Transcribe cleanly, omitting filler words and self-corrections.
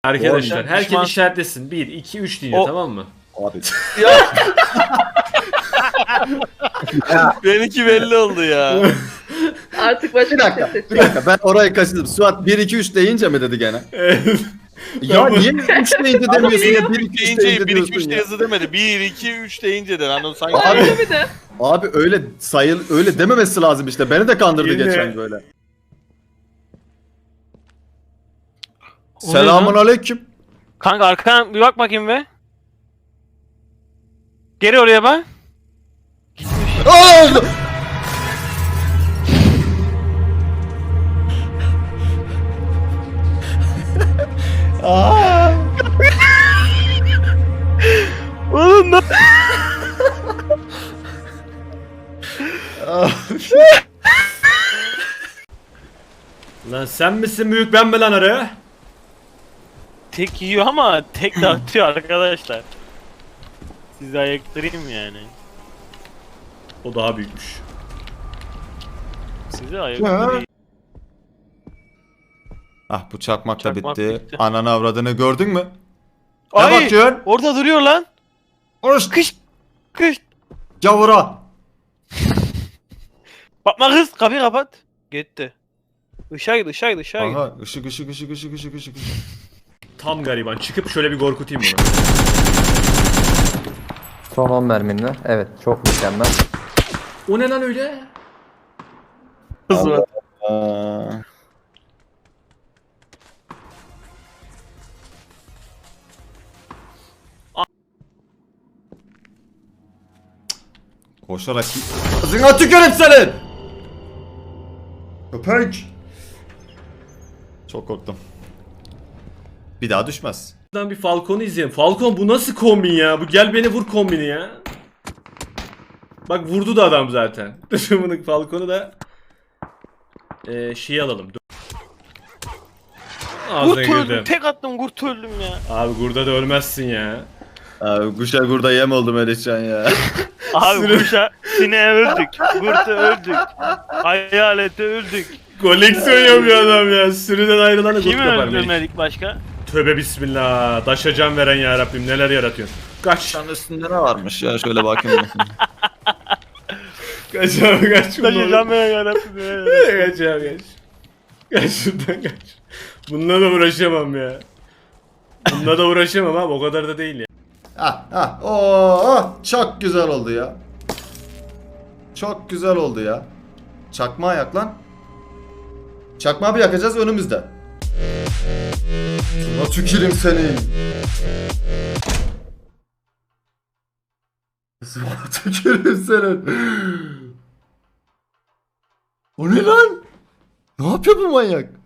Arkadaşlar herkes düşman. işaretlesin. 1, 2, 3 diye tamam mı? Abi. Benimki belli oldu ya. Artık başka Bir dakika, bir ses bir dakika. Ben orayı kaçırdım. Suat 1 2 3 deyince mi dedi gene? Ya niye 3 deyince demiyorsun ya? 1 2 3 deyince deyince 1 2 3 diyorsun de ya. yazı demedi. 1 2 3 deyince de anladın sanki. Abi- Öyle bir de. Abi öyle öyle dememesi lazım işte. Beni de kandırdı Yine. geçen böyle. O ne Selamun lan? aleyküm. Kanka arkana bir bak bakayım be. Geri oraya bak. Aa! Aa! Oğlum ne? Lan sen misin büyük ben mi lan arı? Tek yiyor ama tek de atıyor arkadaşlar. Sizi ayıktırayım yani. O daha büyükmüş. Sizi ayıktırayım. Ah bu çakmak da Çakmak bitti. bitti. Ananı avradını gördün mü? Ne Ay! bakıyorsun? Orada duruyor lan. Oruç Kış! Kış! gavura. Bakma kız kapıyı kapat. Gitti. Işığa git ışığa git ışığa git. Aha ışık. Tam gariban. Çıkıp şöyle bir korkutayım bunu. Son 10 merminle. Evet, çok mükemmel. O ne lan öyle? Kız var. Aa. Koşarak ağzına tükürüm senin. Köpek. Çok korktum. Bir daha düşmez. Buradan bir Falcon'u izleyelim. Falcon bu nasıl kombin ya? Bu gel beni vur kombini ya. Bak vurdu da adam zaten. Bunu Falcon'u da şey alalım. Dur. Ağzına Kurt öldüm. girdim. Tek attım kurt öldüm ya. Abi burada da ölmezsin ya. Abi kuşa kurda yem oldu Melihcan ya. Abi kuşa sineğe öldük. Kurta öldük. Hayalete öldük. Koleksiyon yapıyor adam ya. Sürüden ayrılanı kurt Kimi kapar Melih. öldürmedik başka? Tövbe bismillah. Daşa can veren ya Rabbim neler yaratıyorsun. Kaç. Şanın üstünde ne varmış ya şöyle bakayım. Kaç abi kaç. Taşıyacağım yarabbim. Kaç abi kaç. Kaç şuradan kaç. Bununla da uğraşamam ya. Bununla da uğraşamam abi o kadar da değil ya. Çok güzel oldu ya. Çok güzel oldu ya. Çakmağı yak lan. Çakmağı bir yakacağız önümüzde. Şuna tüküreyim senin. Şuna tüküreyim senin. O ne lan? Ne yapıyor bu manyak?